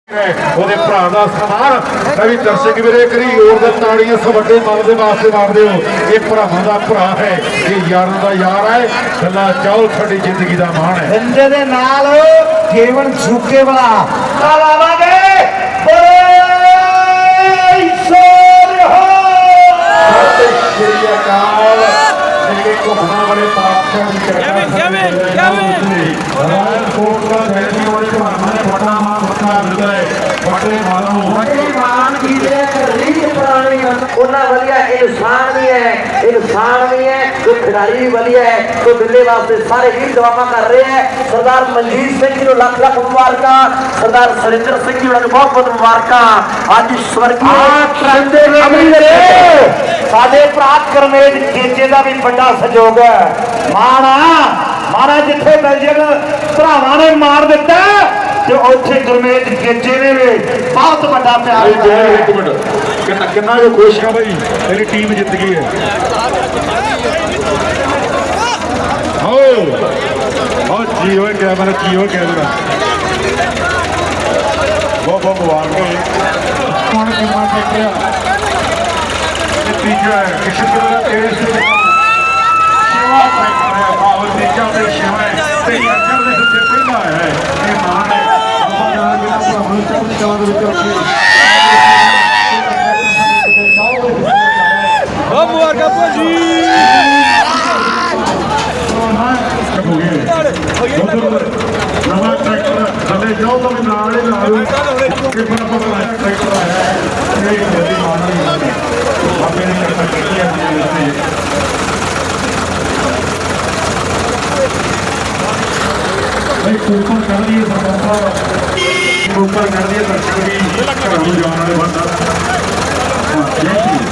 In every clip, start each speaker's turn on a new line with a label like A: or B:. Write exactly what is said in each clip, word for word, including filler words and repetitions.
A: ਉਹਦੇ ਭਰਾ ਦਾ ਸਨਮਾਨ ਮੈਂ ਵੀ ਦਰਸ਼ਕ ਵੀਰੇ ਕਰੀ ਹੋਰ ਦੇ ਤਾੜੀਆਂ ਇਸ ਵੱਡੇ ਮਨ ਦੇ ਵਾਸਤੇ ਮਾਰਦੇ ਹੋ। ਇਹ ਭਰਾਵਾਂ ਦਾ ਭਰਾ ਹੈ, ਇਹ ਯਾਰਾਂ ਦਾ ਯਾਰ ਹੈ। ਗੱਲਾਂ ਚਾਹਲ ਸਾਡੀ ਜ਼ਿੰਦਗੀ ਦਾ ਮਾਣ ਹੈ।
B: ਬੰਦੇ ਦੇ ਨਾਲ ਜੀਵਨ ਝੁਕੇ ਵਾਲਾ ਲਾਵਾਂਗੇ ਘੁੰਮਣਾ ਵਾਲੇ ਪਾਤਸ਼ਾਹ ਦੀ ਕਿਰਪਾ ਉਹਨਾਂ ਵਧੀਆ ਇਨਸਾਨ ਵੀ ਹੈ, ਇਨਸਾਨ ਵੀ ਹੈ ਤੇ ਖਿਡਾਰੀ ਵੀ ਵਧੀਆ ਹੈ। तो दिल्ली वास्ते सारे ही दुआवां कर रहे हैं। सरदार मनजीत सिंह जी को लख लख मुबारकां, सरदार सरिंदर सिंह जी को बहुत बहुत मुबारकां। अज स्वर्गीय साडे भरा करमेज चेचे का भी बड़ा सहयोग है। माना माना जिथे बेल्जियम भरावां ने मार दिता ते उत्थे करमेज चेचे ने भी बहुत बड़ा प्यार दिता।
A: एक मिनट कितना जो खुश है भाई, मेरी टीम जित गई है। जी हो कैमरा जी हो कैमरा बहुत बहुत मुबारक तीजा है किसी तरह तेरे से शिवा और तीजा पे शिवा है ते अक्षर दे सबसे पहला है ये मान है बाबा जान के पूरा मनुष्य को चांद विच रखी बहुत मुबारक भाजी नवा ट्रैक्टर थले जाओ तो भी नाल ही ला लो कि बड़ा बड़ा ट्रैक्टर आया है। ये जल्दी मारना नहीं आपने नहीं करना चाहिए अपने भाई ऊपर कर दिए सरकार ऊपर कर दिए दर्शक भी घरों जाने वाले बंदा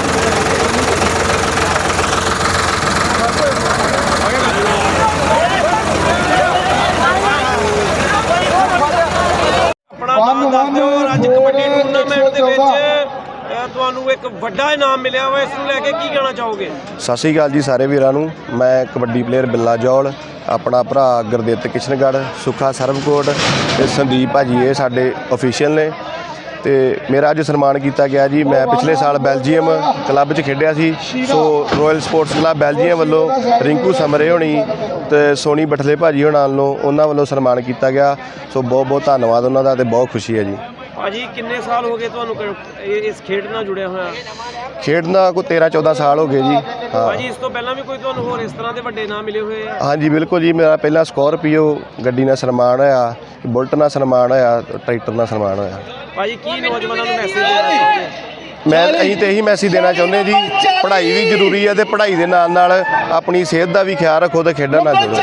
C: ਅੱਜ ਕਬੱਡੀ ਟੂਰਨਾਮੈਂਟ ਦੇ ਵਿੱਚ ਤੁਹਾਨੂੰ ਇੱਕ ਵੱਡਾ ਇਨਾਮ ਮਿਲਿਆ ਵਾ, ਇਸ ਨੂੰ ਲੈ ਕੇ ਕੀ ਕਹਿਣਾ ਚਾਹੋਗੇ?
D: ਸਤਿ ਸ਼੍ਰੀ ਅਕਾਲ ਜੀ ਸਾਰੇ ਵੀਰਾਂ ਨੂੰ। ਮੈਂ ਕਬੱਡੀ ਪਲੇਅਰ ਬਿੱਲਾ ਜੌਲ, ਆਪਣਾ ਭਰਾ ਗੁਰਦਿੱਤ ਕਿਸ਼ਨਗੜ੍ਹ, ਸੁੱਖਾ ਸਰਬਕੋਟ ਤੇ ਸੰਦੀਪ ਭਾਜੀ ਇਹ ਸਾਡੇ ਅਫੀਸ਼ੀਅਲ ਨੇ ਤੇ ਮੇਰਾ ਅੱਜ ਸਨਮਾਨ ਕੀਤਾ ਗਿਆ ਜੀ। ਮੈਂ ਪਿਛਲੇ ਸਾਲ ਬੈਲਜੀਅਮ ਕਲੱਬ 'ਚ ਖੇਡਿਆ ਸੀ, so royal sports club Belgium ਵੱਲੋਂ ਰਿੰਕੂ ਸਮਰੇ ਹੋਣੀ ਤੇ ਸੋਨੀ ਬਠਲੇ ਭਾਜੀ ਹੋਣਾ ਵੱਲੋਂ ਉਹਨਾਂ ਵੱਲੋਂ ਸਨਮਾਨ ਕੀਤਾ ਗਿਆ। ਸੋ ਬਹੁਤ ਬਹੁਤ ਧੰਨਵਾਦ ਉਹਨਾਂ ਦਾ ਤੇ ਬਹੁਤ ਖੁਸ਼ੀ ਹੈ ਜੀ।
C: ਭਾਜੀ ਕਿੰਨੇ ਸਾਲ ਹੋ ਗਏ ਤੁਹਾਨੂੰ ਇਸ ਖੇਡ ਨਾਲ ਜੁੜਿਆ ਹੋਇਆ?
D: ਖੇਡ ਨਾਲ ਕੋਈ ਤੇਰਾਂ ਚੌਦਾਂ ਸਾਲ ਹੋ ਗਏ ਜੀ। ਹਾਂ
C: ਭਾਜੀ ਇਸ ਤੋਂ ਪਹਿਲਾਂ ਵੀ ਕੋਈ ਤੁਹਾਨੂੰ ਹੋਰ ਇਸ ਤਰ੍ਹਾਂ ਦੇ ਵੱਡੇ ਇਨਾਮ ਮਿਲੇ ਹੋਏ ਆ?
D: ਹਾਂਜੀ ਬਿਲਕੁਲ ਜੀ। ਮੇਰਾ ਪਹਿਲਾਂ ਸਕੋਰਪੀਓ ਗੱਡੀ ਨਾਲ ਸਨਮਾਨ ਹੋਇਆ, ਬੁਲਟ ਨਾਲ ਸਨਮਾਨ ਹੋਇਆ, ਟਰੈਕਟਰ ਨਾਲ ਸਨਮਾਨ ਹੋਇਆ।
C: ਭਾਜੀ ਕੀ ਨੌਜਵਾਨਾਂ ਨੂੰ ਮੈਸੇਜ ਦੇਣਾ ਚਾਹੁੰਦੇ?
D: ਮੈਂ ਅਸੀਂ ਤਾਂ ਇਹੀ ਮੈਸੇਜ ਦੇਣਾ ਚਾਹੁੰਦੇ ਜੀ, ਪੜ੍ਹਾਈ ਵੀ ਜ਼ਰੂਰੀ ਹੈ ਤੇ ਪੜ੍ਹਾਈ ਦੇ ਨਾਲ ਨਾਲ ਆਪਣੀ ਸਿਹਤ ਦਾ ਵੀ ਖਿਆਲ ਰੱਖੋ ਤੇ ਖੇਡਣ ਨਾਲ ਜੁੜੋ।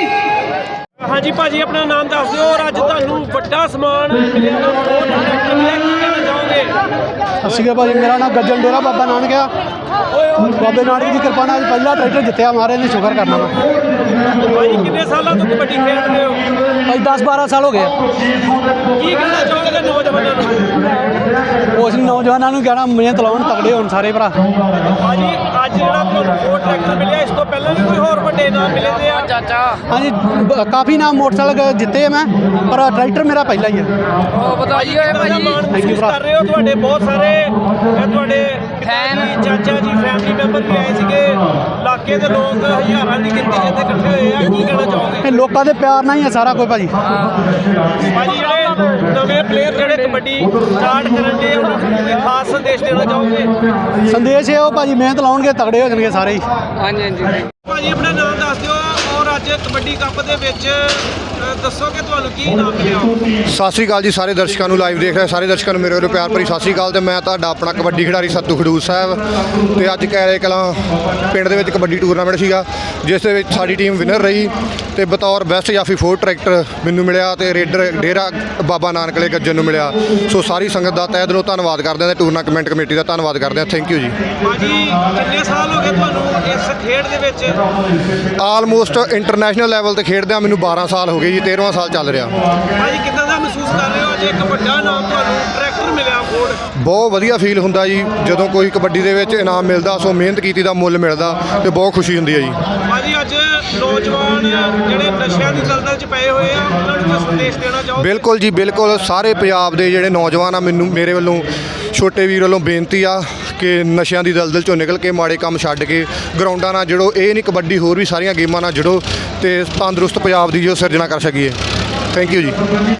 C: ਹਾਂਜੀ ਭਾਜੀ ਆਪਣਾ ਨਾਮ ਦੱਸ ਦਿਓ ਔਰ ਅੱਜ ਤੁਹਾਨੂੰ ਵੱਡਾ ਸਨਮਾਨ ਮਿਲਿਆ ਨਾ, ਹੋਰ ਟਰੈਕਟਰ ਮਿਲਿਆ, ਕੀ ਕਹਿਣਾ ਚਾਹੋਗੇ?
E: ਸਤਿ ਸ਼੍ਰੀ ਅਕਾਲ ਭਾਜੀ, ਮੇਰਾ ਨਾਮ ਗੱਜਣ ਡੇਰਾ ਬਾਬਾ ਨਾਨਕ ਆ। ਬਾਬੇ ਨਾਨਕ ਦੀ ਕਿਰਪਾ ਨਾਲ ਪਹਿਲਾ ਟਰੈਕਟਰ ਜਿੱਤਿਆ, ਮਾਰੇ ਨੇ ਸ਼ੁਕਰ ਕਰਨਾ ਵਾ।
C: ਭਾਜੀ ਕਿੰਨੇ ਸਾਲਾਂ ਤੋਂ ਕਬੱਡੀ ਖੇਡ ਰਹੇ ਹੋ?
E: ਭਾਈ ਦਸ ਬਾਰਾਂ ਸਾਲ ਹੋ ਗਏ।
C: ਕੀ ਕਹਿਣਾ ਚਾਹੋਗੇ ਨੌਜਵਾਨਾਂ ਨੂੰ?
E: ਉਸ ਨੌਜਵਾਨਾਂ ਨੂੰ ਕਹਿਣਾ ਮਿਹਨਤ ਲਾਉਣ, ਤਗੜੇ ਹੋਣ ਸਾਰੇ ਭਰਾ।
C: ਭਾਜੀ ਅੱਜ ਜਿਹੜਾ ਤੁਹਾਨੂੰ ਹੋਰ ਟਰੈਕਟਰ ਮਿਲਿਆ, ਇਸ ਤੋਂ ਪਹਿਲਾਂ ਵੀ ਕੋਈ ਹੋਰ ਵੱਡੇ ਇਨਾਮ ਮਿਲੇ ਤੇ ਆ? ਚਾਚਾ
E: ਹਾਂਜੀ ਕਾਫੀ ਨਾਮ ਮੋਟਰਸਾਈਕਲ ਜਿੱਤੇ ਮੈਂ, ਪਰ ਟਰੈਕਟਰ ਮੇਰਾ ਪਹਿਲਾ ਹੀ ਆ।
C: ਵਧਾਈ ਹੋਏ ਭਾਜੀ, ਥੈਂਕ ਯੂ ਕਰ ਰਹੇ ਹੋ। ਤੁਹਾਡੇ ਬਹੁਤ ਸਾਰੇ ਤੁਹਾਡੇ ਫੈਨ ਚਾਚਾ ਜੀ ਫੈਮਿਲੀ ਮੈਂਬਰ ਵੀ ਆਏ ਸੀਗੇ, ਇਲਾਕੇ ਦੇ ਲੋਕ ਹਜ਼ਾਰਾਂ ਦੀ ਗਿਣਤੀ ਜਿੱਥੇ ਇਕੱਠੇ ਹੋਏ ਆ, ਕੀ ਕਹਿਣਾ ਚਾਹੋਗੇ?
E: ਇਹ ਲੋਕਾਂ ਦੇ ਪਿਆਰ ਨਾਲ ਹੀ ਆ ਸਾਰਾ ਕੁਝ ਭਾਜੀ।
C: ਭਾਜੀ ਜਿਹੜੇ ਨਵੇਂ ਪਲੇਅਰ ਜਿਹੜੇ ਕਬੱਡੀ ਸਟਾਰਟ ਕਰਨ ਦੇ ਉਹਨਾਂ ਨੂੰ ਕੋਈ ਖਾਸ ਸੰਦੇਸ਼ ਦੇਣਾ ਚਾਹੋਗੇ?
E: ਸੰਦੇਸ਼ ਇਹ ਉਹ ਭਾਜੀ ਮਿਹਨਤ ਲਾਉਣਗੇ, ਤਗੜੇ ਹੋ ਜਾਣਗੇ ਸਾਰੇ ਹੀ।
C: ਹਾਂਜੀ ਹਾਂਜੀ ਭਾਜੀ ਆਪਣਾ ਨਾਮ ਦੱਸ ਦਿਓ ਔਰ ਅੱਜ ਕਬੱਡੀ ਕੱਪ ਦੇ ਵਿੱਚ ਦੱਸੋ ਕਿ ਤੁਹਾਨੂੰ ਕੀ ਇਨਾਮ ਮਿਲਿਆ?
F: ਸਤਿ ਸ਼੍ਰੀ ਅਕਾਲ ਜੀ ਸਾਰੇ ਦਰਸ਼ਕਾਂ ਨੂੰ, ਲਾਈਵ ਦੇਖ ਰਹੇ ਸਾਰੇ ਦਰਸ਼ਕਾਂ ਨੂੰ ਮੇਰੇ ਵੱਲੋਂ ਪਿਆਰ ਭਰੀ ਸਤਿ ਸ਼੍ਰੀ ਅਕਾਲ। ਤੇ ਮੈਂ ਤੁਹਾਡਾ ਆਪਣਾ ਕਬੱਡੀ ਖਿਡਾਰੀ ਸੱਤੂ ਖਡੂਰ ਸਾਹਿਬ ਤੇ ਅੱਜ ਕੈਰੇ ਕਲਾਂ ਪਿੰਡ ਦੇ ਵਿੱਚ ਕਬੱਡੀ ਟੂਰਨਾਮੈਂਟ ਸੀਗਾ, ਜਿਸ ਦੇ ਵਿੱਚ ਸਾਡੀ ਟੀਮ ਵਿਨਰ ਰਹੀ ਤੇ ਬਤੌਰ ਬੈਸਟ ਜਾਫੀ ਫੋਰ ਟਰੈਕਟਰ ਮੈਨੂੰ ਮਿਲਿਆ ਤੇ ਰੇਡਰ ਡੇਰਾ ਬਾਬਾ ਨਾਨਕ ਵਾਲੇ ਗੱਜਣ ਨੂੰ ਮਿਲਿਆ। ਸੋ ਸਾਰੀ ਸੰਗਤ ਦਾ ਤਹਿ ਦਿਲੋਂ ਧੰਨਵਾਦ ਕਰਦੇ ਹਾਂ ਤੇ ਟੂਰਨਾਮੈਂਟ ਕਮੇਟੀ ਦਾ ਧੰਨਵਾਦ ਕਰਦੇ ਹਾਂ। ਥੈਂਕ ਯੂ ਜੀ।
C: ਭਾਜੀ ਕਿੰਨੇ ਸਾਲ ਹੋ ਗਏ ਤੁਹਾਨੂੰ ਇਸ ਖੇਡ ਦੇ ਵਿੱਚ?
F: ਆਲਮੋਸਟ ਇੰਟਰਨੈਸ਼ਨਲ ਲੈਵਲ ਤੇ ਖੇਡਦਿਆਂ ਮੈਨੂੰ ਬਾਰਾਂ ਸਾਲ ਹੋ ਗਏ ਜੀ, ਤੇਰਵਾਂ ਸਾਲ ਚੱਲ ਰਿਹਾ।
C: ਭਾਜੀ ਕਿੱਦਾਂ ਦਾ ਮਹਿਸੂਸ ਕਰ ਰਹੇ ਹੋ ਅੱਜ ਇੱਕ ਵੱਡਾ ਨਾਮ ਤੁਹਾਨੂੰ ਟਰੈਕਟਰ ਮਿਲਿਆ ਫੋਰਡ?
F: ਬਹੁਤ ਵਧੀਆ ਫੀਲ ਹੁੰਦਾ ਜੀ ਜਦੋਂ ਕੋਈ ਕਬੱਡੀ ਦੇ ਵਿੱਚ ਇਨਾਮ ਮਿਲਦਾ, ਸੋ ਮਿਹਨਤ ਕੀਤੀ ਦਾ ਮੁੱਲ ਮਿਲਦਾ ਤੇ ਬਹੁਤ ਖੁਸ਼ੀ ਹੁੰਦੀ ਹੈ ਜੀ।
C: ਭਾਜੀ ਅੱਜ ਨੌਜਵਾਨ ਜਿਹੜੇ ਨਸ਼ਿਆਂ ਦੀ ਦਲਦਲ 'ਚ ਪਏ ਹੋਏ ਆ ਉਹਨਾਂ ਨੂੰ ਕੋਈ ਸੰਦੇਸ਼ ਦੇਣਾ ਚਾਹੋ?
F: ਬਿਲਕੁਲ ਜੀ ਬਿਲਕੁਲ, ਸਾਰੇ ਪੰਜਾਬ ਦੇ ਜਿਹੜੇ ਨੌਜਵਾਨ ਆ, ਮੈਨੂੰ ਮੇਰੇ ਵੱਲੋਂ ਛੋਟੇ ਵੀਰ ਵੱਲੋਂ ਬੇਨਤੀ ਆ ਕਿ ਨਸ਼ਿਆਂ ਦੀ ਦਲਦਲ 'ਚੋਂ ਨਿਕਲ ਕੇ ਮਾੜੇ ਕੰਮ ਛੱਡ ਕੇ ਗਰਾਊਂਡਾਂ ਨਾਲ ਜੁੜੋ। ਇਹ ਨਹੀਂ ਕਬੱਡੀ, ਹੋਰ ਵੀ ਸਾਰੀਆਂ ਗੇਮਾਂ ਨਾਲ ਜੁੜੋ ਤੇ ਤੰਦਰੁਸਤ ਪੰਜਾਬ ਦੀ ਜੋ ਸਿਰਜਣਾ ਕਰ ਸਕੀਏ। ਥੈਂਕ ਯੂ ਜੀ।